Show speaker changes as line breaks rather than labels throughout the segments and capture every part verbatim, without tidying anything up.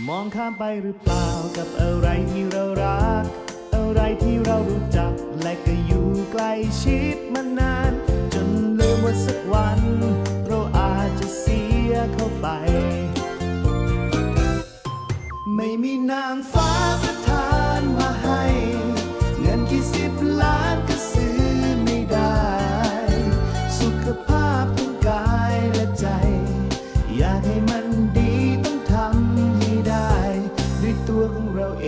มองข้ามไปหรือเปล่ากับอะไรที่เรารักอะไรที่เรารู้จักและก็อยู่ใกล้ชิดมานานจนลืมว่าสักวันเราอาจจะเสียเข้าไปไม่มีนางฟ้าประทานมาให้เงินกี่สิบล้านก็ซื้อไม่ได้สุขภาพทั้งกายและใจอยากให้มันดีต้องทำให้ได้ด้วยตัวของเราเอง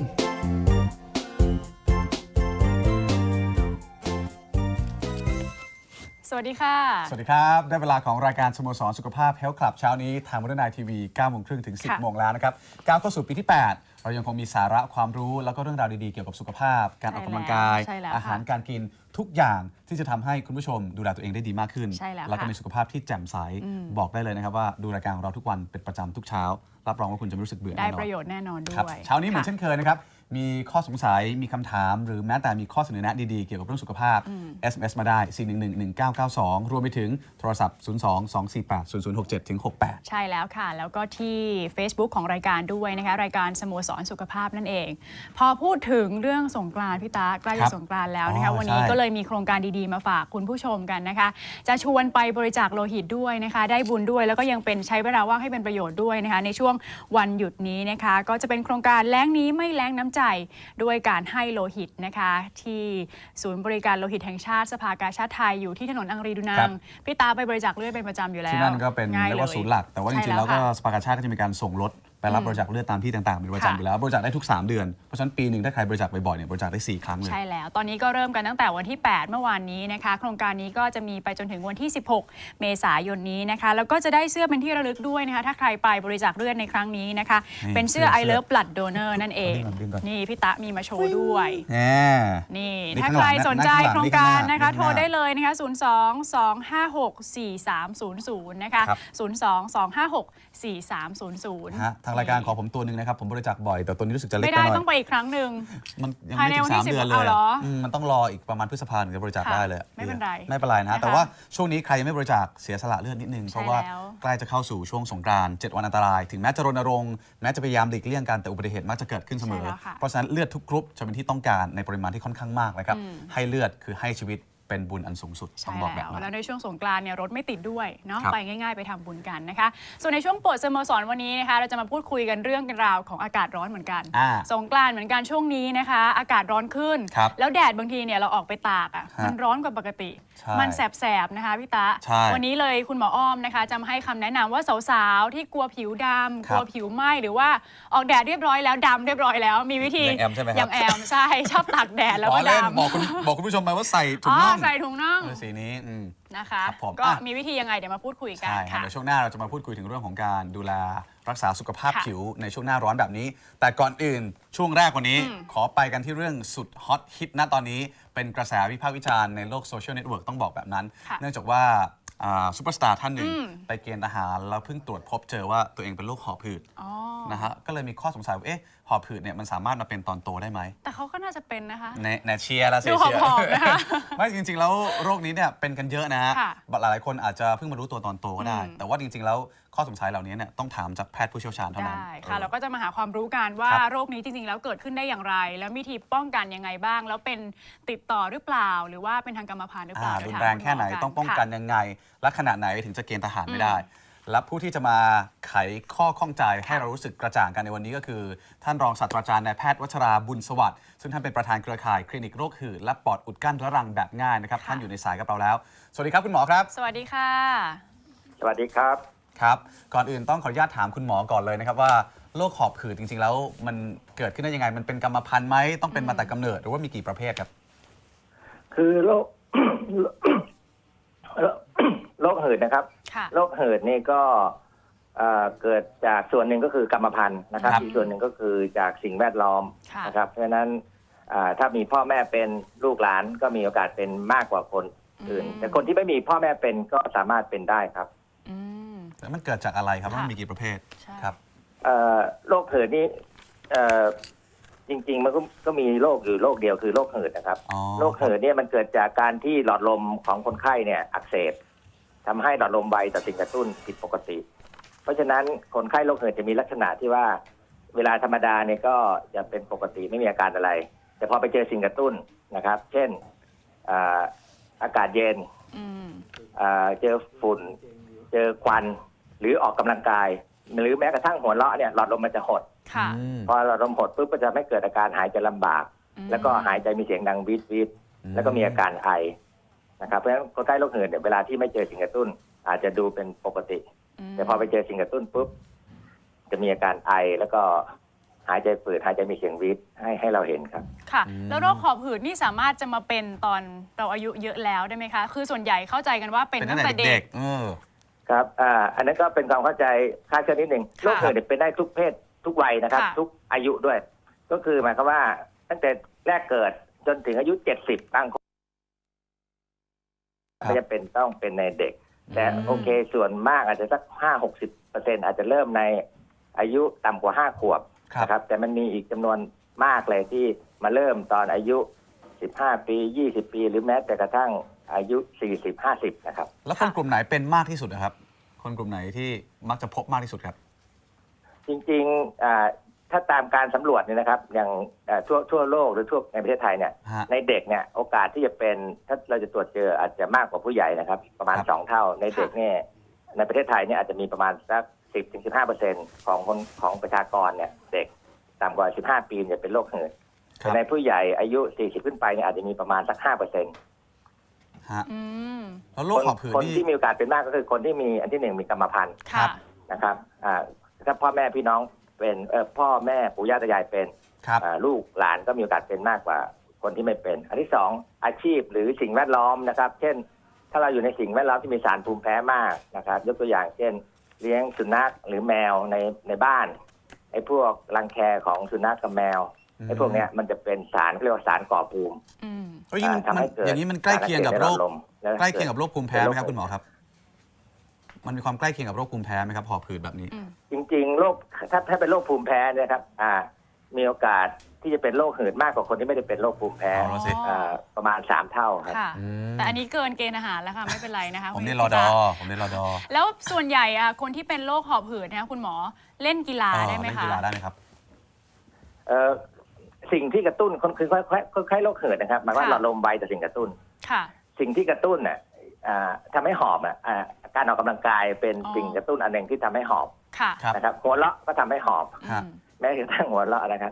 สวัสดีค่ะ
สวัสดีครับได้เวลาของรายการสโมสรสุขภาพ Health Club เช้านี้ทางวันนายทีวีเก้าโมงครึ่งถึง สิบโมงแล้วนะครับก้าวเข้าสู่ปีที่แปดเรายังคงมีสาระความรู้แล้วก็เรื่องราวดีๆเกี่ยวกับสุขภาพการออกกำลังกายอาหารการกินทุกอย่างที่จะทำให้คุณผู้ชมดูแลตัวเองได้ดีมากขึ้นแล้วก็มีสุขภาพที่แจ่มใสบอกได้เลยนะครับว่าดูรายการของเราทุกวันเป็นประจำทุกเช้ารับรองว่าคุณจะไม่รู้สึกเบื่อแน่นอน
ได้ประโยชน์แน่นอนด้วย
เช้านี้เหมือนเช่นเคยนะครับมีข้อสงสัยมีคำถามหรือแม้แต่มีข้อเสนอแนะดีๆเกี่ยวกับเรื่องสุขภาพ เอส เอ็ม เอส มาได้ สี่ หนึ่ง หนึ่ง หนึ่ง เก้า เก้า สอง รวมไปถึงโทรศัพท์ ศูนย์ สอง สอง สี่ แปด ศูนย์ ศูนย์ หก เจ็ด หก แปด
ใช่แล้วค่ะแล้วก็ที่ Facebook ของรายการด้วยนะคะรายการสโมสรสุขภาพนั่นเองพอพูดถึงเรื่องสงกรานต์พี่ตาใกล้จะสงกรานต์แล้วนะคะวันนี้ก็เลยมีโครงการดีๆมาฝากคุณผู้ชมกันนะคะจะชวนไปบริจาคโลหิตด้วยนะคะได้บุญด้วยแล้วก็ยังเป็นใช้เวลาว่างให้เป็นประโยชน์ด้วยนะคะในช่วงวันหยุดนี้นะคะก็จะเป็นโครงการแล้งนี้ไม่แล้งน้ำใจด้วยการให้โลหิตนะคะที่ศูนย์บริการโลหิตแห่งชาติสภากาชาดไทยอยู่ที่ถนนอังรีดูนางพี่ตาไปบริจาคเลือดเป็นประจำอยู่แล้ว
ที่นั่นก็เป็นเรียกว่าศูนย์หลักแต่ว่าจริงๆแล้วก็สภากาชาดก็จะมีการส่งรถไปรับบริจาคเลือดตามที่ต่างๆเป็นประจำอยู่แล้วบริจาคได้ทุกสามเดือนเพราะฉะนั้นปีหนึ่งถ้าใครบริจาคบ่อยๆเนี่ยบริจาคได้สี่ครั้งเลย
ใช่แล้วตอนนี้ก็เริ่มกันตั้งแต่วันที่แปดเมื่อวานนี้นะคะโครงการนี้ก็จะมีไปจนถึงวันที่สิบหกเมษายนนี้นะคะแล้วก็จะได้เสื้อเป็นที่ระลึกด้วยนะคะถ้าใครไปบริจาคเลือดในครั้งนี้นะคะเป็นเสื้อ I Love Blood Donor นั่นเองนี่พี่ตะมีมาโชว์ด้วยนี่ถ้าใครสนใจโครงการนะคะโทรได้เลยนะคะศูนย์ สอง สอง ห้า หก สี่ สาม ศูนย์ ศูนย์นะคะศูนย์ สอง สอง ห้า หก สี่ สาม ศูนย์ ศูนย์
ทางรายการขอผมตัวนึงนะครับผมบริจาคบ่อยแต่ตัวนี้รู้สึกจะเล็กไปหน่อย
ไม่ได้ต้องไปอีกครั้งหนึ่ง
มันยังไม่ถึงสามเดือนเลยมันต้องรออีกประมาณพฤษภาคมถึงจะบริจาคได้เลย
ไม่เป็นไร
ไม่เป็นไรนะแต่ว่าช่วงนี้ใครยังไม่บริจาคเสียสละเลือดนิดนึงเพราะว่าใกล้จะเข้าสู่ช่วงสงกรานต์เจ็ดวันอันตรายถึงแม้จะรณรงค์แม้จะพยายามหลีกเลี่ยงการแต่อุบัติเหตุมักจะเกิดขึ้นเสมอเพราะฉะนั้นเลือดทุกกรุ๊ปจะเป็นที่ต้องการในปริมาณที่ค่อนข้างมากนะครับให้เลือดคือให้ชีวิตเป็นบุญอันสูงสุดต้องบอกแบบนั้น
แล้วในช่วงสงกรานต์เนี่ยรถไม่ติดด้วยเนาะไปง่ายๆไปทำบุญกันนะคะส่วนในช่วงโปรดสโมสรวันนี้นะคะเราจะมาพูดคุยกันเรื่องกันราวของอากาศร้อนเหมือนกันสงกรานต์เหมือนกันช่วงนี้นะคะอากาศร้อนขึ้นแล้วแดดบางทีเนี่ยเราออกไปตากอ่ะมันร้อนกว่าปกติมันแสบๆนะคะพี่ตะวันนี้เลยคุณหมออ้อมนะคะจะมาให้คำแนะนำว่าสาวๆที่กลัวผิวดำกลัวผิวไหม้หรือว่าออกแดดเรียบร้อยแล้วดำเรียบร้อยแล้วมีวิธี
อย่าง
แอมใช่ชอบตากแดดแล้วก็ดำ
บอกคุณบอกคุณผู้ชมไปว่าใส่ถุงน่อง
ใส่ถุงน่อง
สีนี้
นะคะก็มีวิธียังไงเดี๋ยวมาพูดคุยกัน
ค่ะในช่วงหน้าเราจะมาพูดคุยถึงเรื่องของการดูแลรักษาสุขภาพผิวในช่วงหน้าร้อนแบบนี้แต่ก่อนอื่นช่วงแรกวันนี้ขอไปกันที่เรื่องสุดฮอตฮิตณตอนนี้เป็นกระแสวิพากษ์วิจารณ์ในโลกโซเชียลเน็ตเวิร์กต้องบอกแบบนั้นเนื่องจากว่าซูเปอร์สตาร์ท่านหนึ่งไปเกณฑ์ทหารแล้วเพิ่งตรวจพบเจอว่าตัวเองเป็นโรคหอบหืดนะฮะก็เลยมีข้อสงสัยว่าเอ๊ะหอบหืดเนี่ยมันสามารถมาเป็นตอนโตได้ไหม
แต่เขาก็น่าจะเป็นนะคะ
ในในเชียร์แล้วเชียร์ไม่จริงๆแล้วโรคนี้เนี่ยเป็นกันเยอะนะฮะหลายๆคนอาจจะเพิ่งมารู้ตัวตอนโตก็ได้แต่ว่าจริงๆแล้วข้อสงสัยเหล่านี้เนี่ยต้องถามจากแพทย์ผู้เชี่ยวชาญเท่านั้น
ได้ค่ะเราก็จะมาหาความรู้กันว่าโรคนี้จริงๆแล้วเกิดขึ้นได้อย่างไรแล้ววิธีป้องกันยังไงบ้างแล้วเป็นติดต่อหรือเปล่าหรือว่าเป็นทางกรรมพันธุ์หรือเปล่า
รุนแรงแค่ไหนต้องป้องกันยังไงและขนาดไหนถึงจะเกณฑ์ทหารไม่ได้และผู้ที่จะมาไขข้อข้องใจให้เรารู้สึกกระจ่างกันในวันนี้ก็คือท่านรองศาสตราจารย์นายแพทย์วัชราบุญสวัสดิ์ซึ่งท่านเป็นประธานเครือข่ายคลินิกโรคหืดและปอดอุดกั้นเรื้อรังแบบง่ายนะครับท่านอยู่ในสายกับเราแล้วสวัสดีครับคุณหมอครับ
สวัสดีค่ะ
สวัสดีครับ
ครับก่อนอื่นต้องขออนุญาตถามคุณหมอก่อนเลยนะครับว่าโรคหอบหืดจริงๆแล้วมันเกิดขึ้นได้ยังไงมันเป็นกรรมพันธุ์ไหมต้องเป็นมาแต่กำเนิดหรือว่ามีกี่ประเภทครับ
คือโรคโรคหืดนะครับโรคหืดนี่ก็เกิดจากส่วนหนึ่งก็คือกรรมพันธุ์นะครับอีกส่วนหนึ่งก็คือจากสิ่งแวดล้อมนะครับเพราะฉะนั้นถ้ามีพ่อแม่เป็นลูกหลานก็มีโอกาสเป็นมากกว่าคนอื่นแต่คนที่ไม่มีพ่อแม่เป็นก็สามารถเป็นได้ครับ
แล้วมันเกิดจากอะไรครับมันมีกี่ประเภทครับ
โรคหืดนี่จริงๆมันก็มีโรคอยู่โรคเดียวคือโรคหืดนะครับโรคหืดเนี่ยมันเกิดจากการที่หลอดลมของคนไข้เนี่ยอักเสบทำให้หลอดลมไวต่อสิ่งกระตุ้นผิดปกติเพราะฉะนั้นคนไข้โรคหืดจะมีลักษณะที่ว่าเวลาธรรมดาเนี่ยก็จะเป็นปกติไม่มีอาการอะไร แต่พอไปเจอสิ่งกระตุ้นนะครับ เช่นอ่าอากาศเย็นอ่าเจอฝุ่นเจอควันหรือออกกำลังกาย หรือแม้กระทั่งหัวเราะเนี่ยหลอดลมมันจะหดพอหลอดลมหดปุ๊บก็จะไม่เกิดอาการหายใจลำบาก แล้วก็หายใจมีเสียงดังวีดวีดแล้วก็มีอาการไอนะครับเพราะฉะนั้นคนไข้โรคหืดเนี่ยเวลาที่ไม่เจอสิ่งกระตุ้นอาจจะดูเป็นปกติ แต่พอไปเจอสิ่งกระตุ้นปุ๊บจะมีอาการไอแล้วก็หายใจฝืดหายใจมีเสียงวีดให้ให้เราเห็นครับ
ค่ะแล้วโรคหอบหืดนี่สามารถจะมาเป็นตอนเราอายุเยอะแล้วได้ไหมคะคือส่วนใหญ่เข้าใจกันว่าเป็นตั้งแต่เด็ก
ครับอ่าอันนั้นก็เป็นความเข้าใจคลาดเคลื่อนนิดหนึ่งโรคหืดเป็นได้ทุกเพศทุกวัยนะครับทุกอายุด้วยก็คือหมายความว่าตั้งแต่แรกเกิดจนถึงอายุเจ็ดสิบบางคนไม่จำเป็นต้องเป็นในเด็กแต่โอเคส่วนมากอาจจะสักห้าหกสิบเปอร์เซ็นต์อาจจะเริ่มในอายุต่ำกว่าห้าขวบนะครับแต่มันมีอีกจำนวนมากเลยที่มาเริ่มตอนอายุสิบห้าปียี่สิบปีหรือแม้แต่กระทั่งอายุสี่สิบ ห้าสิบนะครับ
แล้วคนกลุ่มไหนเป็นมากที่สุดนะครับคนกลุ่มไหนที่มักจะพบมากที่สุดครับ
จริงๆถ้าตามการสำรวจเนี่ยนะครับอย่างทั่วทั่วโลกหรือทั่วในประเทศไทยเนี่ยในเด็กเนี่ยโอกาสที่จะเป็นถ้าเราจะตรวจเจออาจจะมากกว่าผู้ใหญ่นะครับประมาณสองเท่าในเด็กเนี่ยในประเทศไทยเนี่ยอาจจะมีประมาณสักสิบถึงสิบห้าเปอร์เซ็นต์ของคนของประชากรเนี่ยเด็กต่ำกว่าสิบห้าปีเนี่ยเป็นโรคหืดแต่ในผู้ใหญ่อายุสี่สิบขึ้นไปเนี่ยอาจจะมีประมาณสักห้าเปอร์เซ็นต์
ฮะแล้วโรคหอบหืด
คนที่มีโอกาสเป็นมากก็คือคนที่มีอันที่หนึ่งมีกรรมพันธุ์นะครับอ่าถ้าพ่อแม่พี่น้องเป็นเออพ่อแม่ปู่ย่าตายายเป็นลูกหลานก็มีโอกาสเป็นมากกว่าคนที่ไม่เป็นอันที่สองอาชีพหรือสิ่งแวดล้อมนะครับเช่นถ้าเราอยู่ในสิ่งแวดล้อมที่มีสารภูมิแพ้มากนะครับยกตัวอย่างเช่นเลี้ยงสุนัขหรือแมวในในบ้านไอ้พวกรังแคของสุนัขกับแมวไอ้พวกเนี้ยมันจะเป็นสารเรียกว่าสารก่อภูมิ
ทำให้เกิดอย่างนี้มันใกล้เคียงกับโรคใกล้เคียงกับโรคภูมิแพ้ไหมครับคุณหมอครับมันมีความใกล้เคียงกับโรคภูมิแพ้ไหมครับหอบหืดแบบนี้
จริงๆโรคถ้าถ้าเป็นโรคภูมิแพ้เนี่ยครับอ่ามีโอกาสที่จะเป็นโรคหืดมากกว่าคนที่ไม่ได้เป็นโรคภูมิแพ้ประมาณสามเท่าครับ
แต่อันนี้เกินเกณฑ์อาหารแล้วค่ะไม่เป็นไรนะคะ
ผมเรียนรอดอผมเรียนรอดอ
แล้วส่วนใหญ่อะคนที่เป็นโรคหอบหืดนะคุณหมอเล่นกีฬาได้ไหมคะ
เล่นกีฬาได้ไหมครับ
เอ่อสิ่งที่กระตุ้นคนคือคล้ายๆโรคหืดนะครับหมายว่าหลอดลมไวแต่สิ่งกระตุ้น
ค่ะ
สิ่งที่กระตุ้นน่ะทำให้หอบอ่ะการออกกำลังกายเป็นสิ่งกระตุ้นอันหนึ่งที่ทำให้หอบนะครับหัวเราะก็ทำให้หอบแม้กระทั่งหัวเราะนะครับ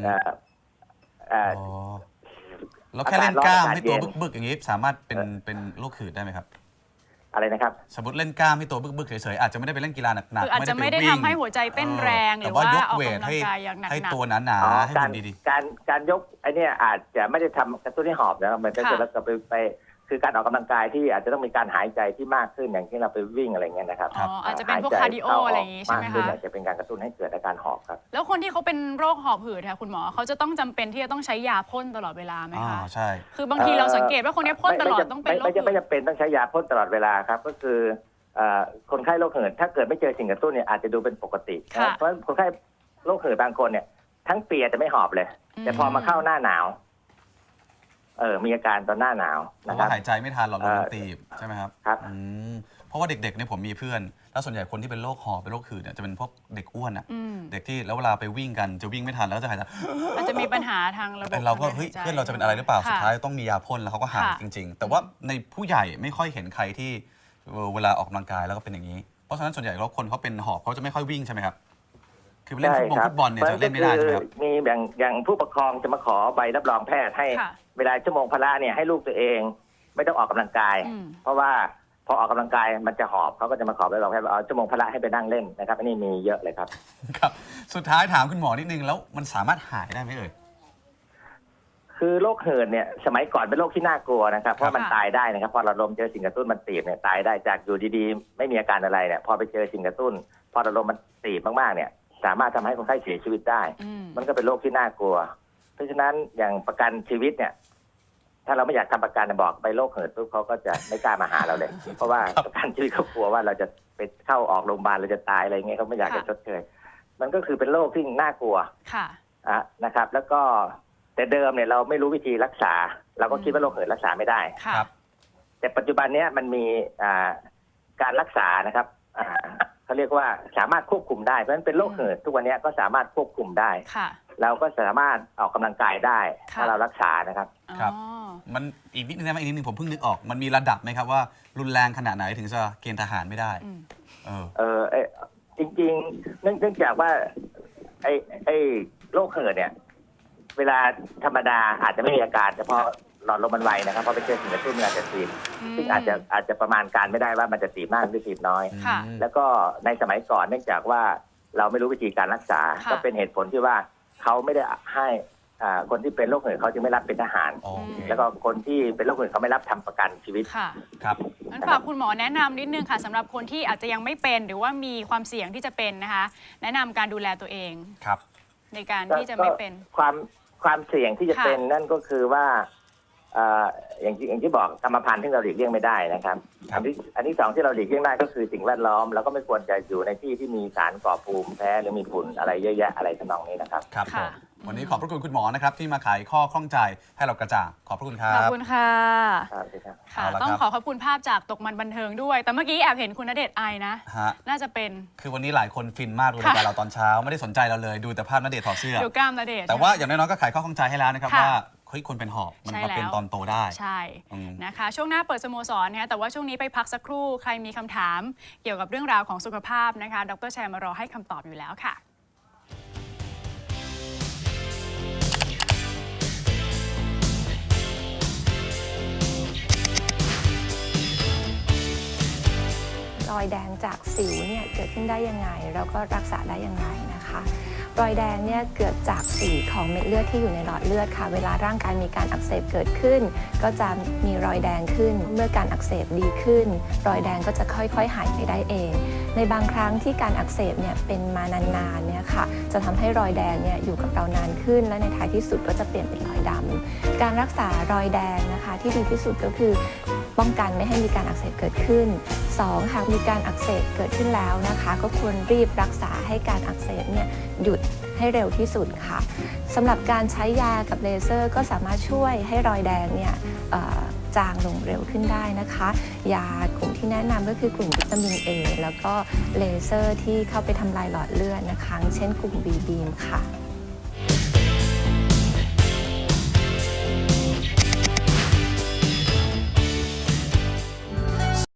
แล้วแค่เล่นกล้ามให้ตัวบึกๆอย่างนี้สามารถเป็นเป็นโรคหืดได้ไหมครับ
อะไรนะครับ
สมมติเล่นกล้ามให้ตัวบึกๆเฉยๆอาจจะไม่ได้ไปเล่นกีฬาหนักๆ
อาจจะไม่ได้ทำให้หัวใจเต้นแรงหรือว่ายกเวทให้
ให้ตัวหนาๆให้
มันดีๆการการยกไอ้นี่อาจจะไม่ได้ทำกระตุ้นให้หอบนะครับมันก็จะแล้วก็ไปไปคือการออกกำลังกายที่อาจจะต้องมีการหายใจที่มากขึ้นอย่างที่เราไปวิ่งอะไรเงี้ยนะครับ
อ๋ออาจจะเป็นพวกคาร์ดิโออะไรอย่างงี้ใช่ไหมคะ
อาจจะเป็นการกระตุ้นให้เกิดอาการหอบครับ
แล้วคนที่เขาเป็นโรคหอบหืดค่ะคุณหมอเขาจะต้องจำเป็นที่จะต้องใช้ยาพ่นตลอดเวลาไหมคะ
อ๋อใช่
คือบางทีเราสังเกตว่าคนนี้พ่นตลอดต้องเป็นโรค
ไม่ไม่จำเป็นต้องใช้ยาพ่นตลอดเวลาครับก็คือคนไข้โรคหืดถ้าเกิดไม่เจอสิ่งกระตุ้นเนี่ยอาจจะดูเป็นปกติเพราะคนไข้โรคหืดบางคนเนี่ยทั้งปีจะไม่หอบเลยแต่พอมาเข้าหน้าหนาวเออมีอาการตอนหน้าหนาว
นะครับหายใจไม่ทันหลอดลมตีบใช่ไหมครับ
ครับ
เพราะว่าเด็กๆเนี่ยผมมีเพื่อนแล้วส่วนใหญ่คนที่เป็นโรคหอบเป็นโรคหืดเนี่ยจะเป็นพวกเด็กอ้วนอ่ะเด็กที่แล้วเวลาไปวิ่งกันจะวิ่งไม่ทันแล้วจะหายใจ
อาจจะมีปัญหาทางระบบ
เราก็เฮ้ยเพื่อนเราจะเป็นอะไรหรือเปล่าสุดท้ายต้องมียาพ่นแล้วเขาก็หายจริงๆแต่ว่าในผู้ใหญ่ไม่ค่อยเห็นใครที่เวลาออกกำลังกายแล้วก็เป็นอย่างนี้เพราะฉะนั้นส่วนใหญ่แล้วคนเขาเป็นหอบเขาจะไม่ค่อยวิ่งใช่ไหมครับคือเล่นฟุตบอลฟุตบอลเนี่ยจะเล่นไม่ได้ใช่ไหมครับ
มีอย่างอย่างผู้ปกครองจะมาขอใบรับรองแพทย์ให้เวลาชั่วโมงพละเนี่ยให้ลูกตัวเองไม่ต้องออกกำลังกายเพราะว่าพอออกกำลังกายมันจะหอบเขาก็จะมาขอใบรับรองแพทย์เอาชั่วโมงพละให้ไปนั่งเล่นนะครับอันนี้มีเยอะเลยครับ
ครับสุดท้ายถามคุณหมอนิดนึงแล้วมันสามารถหายได้ไหมเอ่ย
คือโรคหืดเนี่ยสมัยก่อนเป็นโรคที่น่ากลัวนะครับเพราะมันตายได้นะครับพอเราลมเจอสิ่งกระตุ้นมันตีบเนี่ยตายได้จากอยู่ดีๆไม่มีอาการอะไรเนี่ยพอไปเจอสิ่งกระตุ้นพอเราลมมันตีบมากๆเนี่ยสามารถทำให้คนไข้เสียชีวิตได้มันก็เป็นโรคที่น่ากลัวเพราะฉะนั้นอย่างประกันชีวิตเนี่ยถ้าเราไม่อยากทำประกันบอกไปโรคหืดปุ๊บเขาก็จะไม่กล้ามาหาเราเลยเพราะว่าประกันชีวิตเขากลัวว่าเราจะไปเข้าออกโรงพยาบาลเราจะตายอะไรเงี้ยเขาไม่อยากจะชดเชยมันก็คือเป็นโรคที่น่ากลัว
ค่ะ
นะครับแล้วก็แต่เดิมเนี่ยเราไม่รู้วิธีรักษาเราก็คิดว่าโรคหืดรักษาไม่ได้
ครับ
แต่ปัจจุบันเนี้ยมันมีการรักษานะครับเขาเรียกว่าสามารถควบคุมได้เพราะฉะนั้นเป็นโรคเหิดทุกวันนี้ก็สามารถควบคุมได้เราก็สามารถออกกำลังกายได้ถ้าเรารักษานะครับ
ครับมันอีกนิดนึงนะอีกนิดนึงผมเพิ่งนึกออกมันมีระดับไหมครับว่ารุนแรงขนาดไหนถึงจะเกณฑ์ทหารไม่ได้
เออเออจริงๆเนื่องจากว่าไอ้ไอ้โรคเหิดเนี่ยเวลาธรรมดาอาจจะไม่มีอาการแต่พอหลอดลมมันไวนะครับเพราะไปเจอสิ่งกระตุ้นมันอาจจะตีบซึ่งอาจจะอาจจะประมาณการไม่ได้ว่ามันจะตีบมากหรือตีบน้อยแล้วก็ในสมัยก่อนเนื่องจากว่าเราไม่รู้วิธีการรักษาก็เป็นเหตุผลที่ว่าเขาไม่ได้ให้คนที่เป็นโรคเหิดเขาจึงไม่รับเป็นทหารแล้วก็คนที่เป็นโรคเหิดเขาไม่รับทำประกันชีวิต
ค่ะครับงั้นฝากคุณหมอแนะนำนิดนึงค่ะสำหรับคนที่อาจจะยังไม่เป็นหรือว่ามีความเสี่ยงที่จะเป็นนะคะแนะนำการดูแลตัวเอง
ครับ
ในการที่จะไม่เป็น
ความความเสี่ยงที่จะเป็นนั่นก็คือว่าอย่างที่อย่างที่บอกกรรมพันธุ์ที่เราหลีกเลี่ยงไม่ได้นะครับอันที่อันที่สองที่เราหลีกเลี่ยงได้ก็คือสิ่งแวดล้อมเราก็ไม่ควรจะอยู่ในที่ที่มีสารก่อภูมิแพ้หรือมีฝุ่นอะไรเยอะแยะอะไรทำนองนี้นะครับ
ครับวันนี้ขอบพระคุณคุณหมอนะครับที่มาไขข้อข้องใจให้เรากระจ่างขอบพระคุณครับ
ขอบคุณค่ะ
ค่ะ
ต้องขอขอบคุณภาพจากตกมันบันเทิงด้วยแต่เมื่อกี้แอบเห็นคุณณเดชน์ไอนะน่าจะเป็น
คือวันนี้หลายคนฟินมากดูรายการเราตอนเช้าไม่ได้สนใจเราเลยดูแต่ภาพณเดชน์ถอดเสื้อ
ดูกล้ามณเดชน์
แต่ว่าอย่างน้อยๆก็ไขข้อข้องใจให้แล้วนะครับว่าเฮ้ยคนเป็นหอบมันมาเป็นตอนโตได้
ใช่นะคะช่วงหน้าเปิดสโมสรนะคะแต่ว่าช่วงนี้ไปพักสักครู่ใครมีคำถามเกี่ยวกับเรื่องราวของสุขภาพนะคะดร.แชร์มารอให้คำตอบอยู่แล้วค่ะ
รอยแดงจากสิวเนี่ยเกิดขึ้นได้ยังไงแล้วก็รักษาได้อย่างไรนะคะรอยแดงเนี่ยเกิดจากสีของเม็ดเลือดที่อยู่ในหลอดเลือดค่ะเวลาร่างกายมีการอักเสบเกิดขึ้นก็จะมีรอยแดงขึ้นเมื่อการอักเสบดีขึ้นรอยแดงก็จะค่อยๆหายไปได้เองในบางครั้งที่การอักเสบเนี่ยเป็นมานานๆเนี่ยค่ะจะทำให้รอยแดงเนี่ยอยู่กับเรานานขึ้นและในท้ายที่สุดก็จะเปลี่ยนเป็นรอยดำการรักษารอยแดงนะคะที่ดีที่สุดก็คือป้องกันไม่ให้มีการอักเสบเกิดขึ้นสองหากมีการอักเสบเกิดขึ้นแล้วนะคะก็ควรรีบรักษาให้การอักเสบเนี่ยหยุดให้เร็วที่สุดค่ะสำหรับการใช้ยากับเลเซอร์ก็สามารถช่วยให้รอยแดงเนี่ยจางลงเร็วขึ้นได้นะคะยากลุ่มที่แนะนำก็คือกลุ่มวิตามิน A แล้วก็เลเซอร์ที่เข้าไปทำลายหลอดเลือดนะคะเช่นกลุ่ม บี บีม ค่ะ